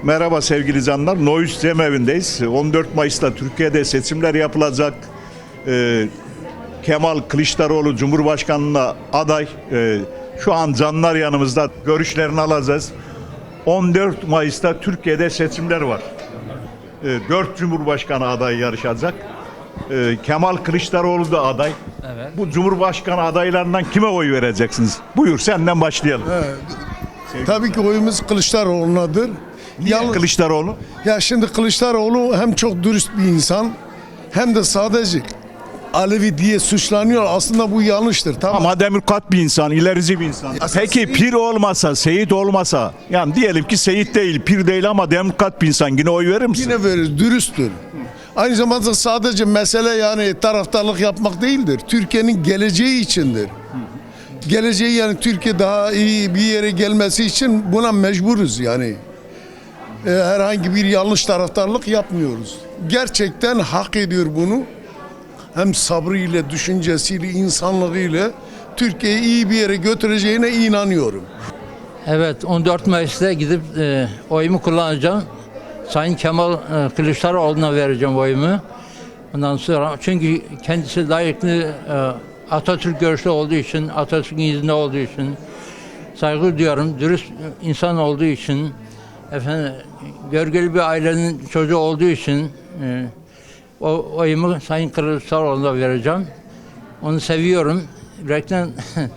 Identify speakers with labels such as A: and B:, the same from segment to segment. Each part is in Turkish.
A: Merhaba sevgili canlar. Noyuz Cemevi'ndeyiz. 14 Mayıs'ta Türkiye'de seçimler yapılacak. Kemal Kılıçdaroğlu Cumhurbaşkanlığına aday. Şu an canlar yanımızda. Görüşlerini alacağız. 14 Mayıs'ta Türkiye'de seçimler var. 4 Cumhurbaşkanı adayı yarışacak. Kemal Kılıçdaroğlu da aday.
B: Evet.
A: Bu Cumhurbaşkanı adaylarından kime oy vereceksiniz? Buyur senden başlayalım.
C: Tabii ki oyumuz Kılıçdaroğlu'nadır.
A: Kılıçdaroğlu.
C: Ya şimdi Kılıçdaroğlu hem çok dürüst bir insan hem de sadece Alevi diye suçlanıyor. Aslında bu yanlıştır. Tamam.
A: Ama demokrat bir insan, ilerici bir insan. Peki pir olmasa, Seyit olmasa, yani diyelim ki Seyit değil, pir değil ama demokrat bir insan, yine oy verir misin?
C: Yine verir, dürüsttür. Aynı zamanda sadece mesele yani taraftarlık yapmak değildir. Türkiye'nin geleceği içindir. Geleceği yani Türkiye daha iyi bir yere gelmesi için buna mecburuz yani. Herhangi bir yanlış taraftarlık yapmıyoruz. Gerçekten hak ediyor bunu. Hem sabrıyla, düşüncesiyle, insanlığıyla Türkiye'yi iyi bir yere götüreceğine inanıyorum.
B: Evet, 14 Mayıs'ta gidip oyumu kullanacağım. Sayın Kemal Kılıçdaroğlu'na vereceğim oyumu. Ondan sonra çünkü kendisi layıklı Atatürk görüşlü olduğu için, Atatürk'ün izinde olduğu için saygı duyuyorum. Dürüst insan olduğu için, efendim görgülü bir ailenin çocuğu olduğu için o oyumu Sayın Kılıçdaroğlu'na vereceğim. Onu seviyorum. Reklam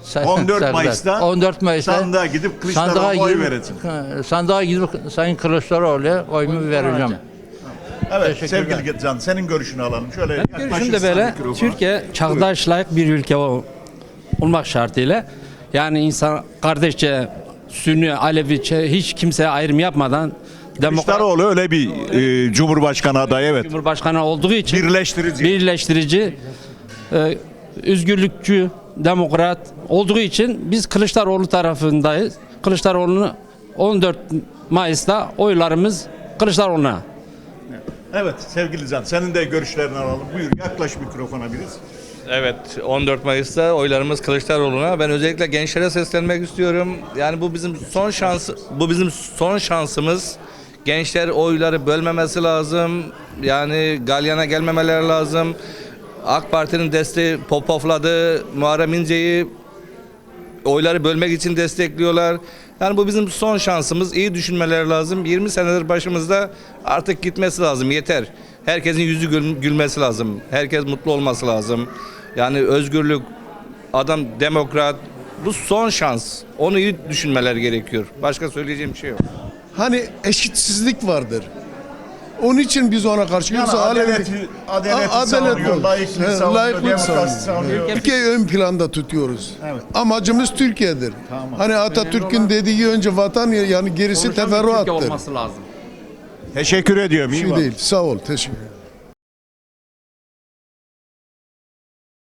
A: 14 Mayıs'ta sandığa gidip Kılıçdaroğlu'na oy vereceksin.
B: Sandığa gidip Sayın Kılıçdaroğlu'na oyumu vereceğim.
A: Evet sevgili Can, senin görüşünü alalım. Şöyle
D: Görüşüm de böyle. Türkiye çağdaş layık bir ülke olmak şartıyla yani insan kardeşçe, Sünni, Alevi hiç kimseye ayrım yapmadan
A: Kılıçdaroğlu öyle bir Cumhurbaşkanı adayı, evet.
D: Cumhurbaşkanı olduğu için
A: Birleştirici,
D: özgürlükçü, demokrat olduğu için biz Kılıçdaroğlu tarafındayız. Kılıçdaroğlu'nu 14 Mayıs'ta oylarımız Kılıçdaroğlu'na.
A: Evet sevgili Can, senin de görüşlerini alalım. Buyur yaklaş mikrofona biraz.
E: Evet, 14 Mayıs'ta oylarımız Kılıçdaroğlu'na. Ben özellikle gençlere seslenmek istiyorum. Yani bu bizim son şansımız. Gençler oyları bölmemesi lazım. Yani galyana gelmemeleri lazım. AK Parti'nin desteği popofladı. Muharrem İnce'yi oyları bölmek için destekliyorlar. Yani bu bizim son şansımız. İyi düşünmeleri lazım. 20 senedir başımızda, artık gitmesi lazım. Yeter. Herkesin yüzü gülmesi lazım. Herkes mutlu olması lazım. Yani özgürlük, adam demokrat. Bu son şans. Onu iyi düşünmeleri gerekiyor. Başka söyleyeceğim bir şey yok.
C: Hani eşitsizlik vardır. Onun için biz ona karşıyız.
A: Yani adaleti savunuyor, layıklık savunuyor.
C: Türkiye'yi ön planda tutuyoruz.
A: Evet.
C: Amacımız Türkiye'dir.
A: Tamam.
C: Hani Atatürk'ün dediği önce vatan yani gerisi teferruattır.
D: Olması lazım.
A: Teşekkür ediyorum.
C: Bir
A: İyi
C: şey
A: bak.
C: değil. Sağ ol. Teşekkür ederim.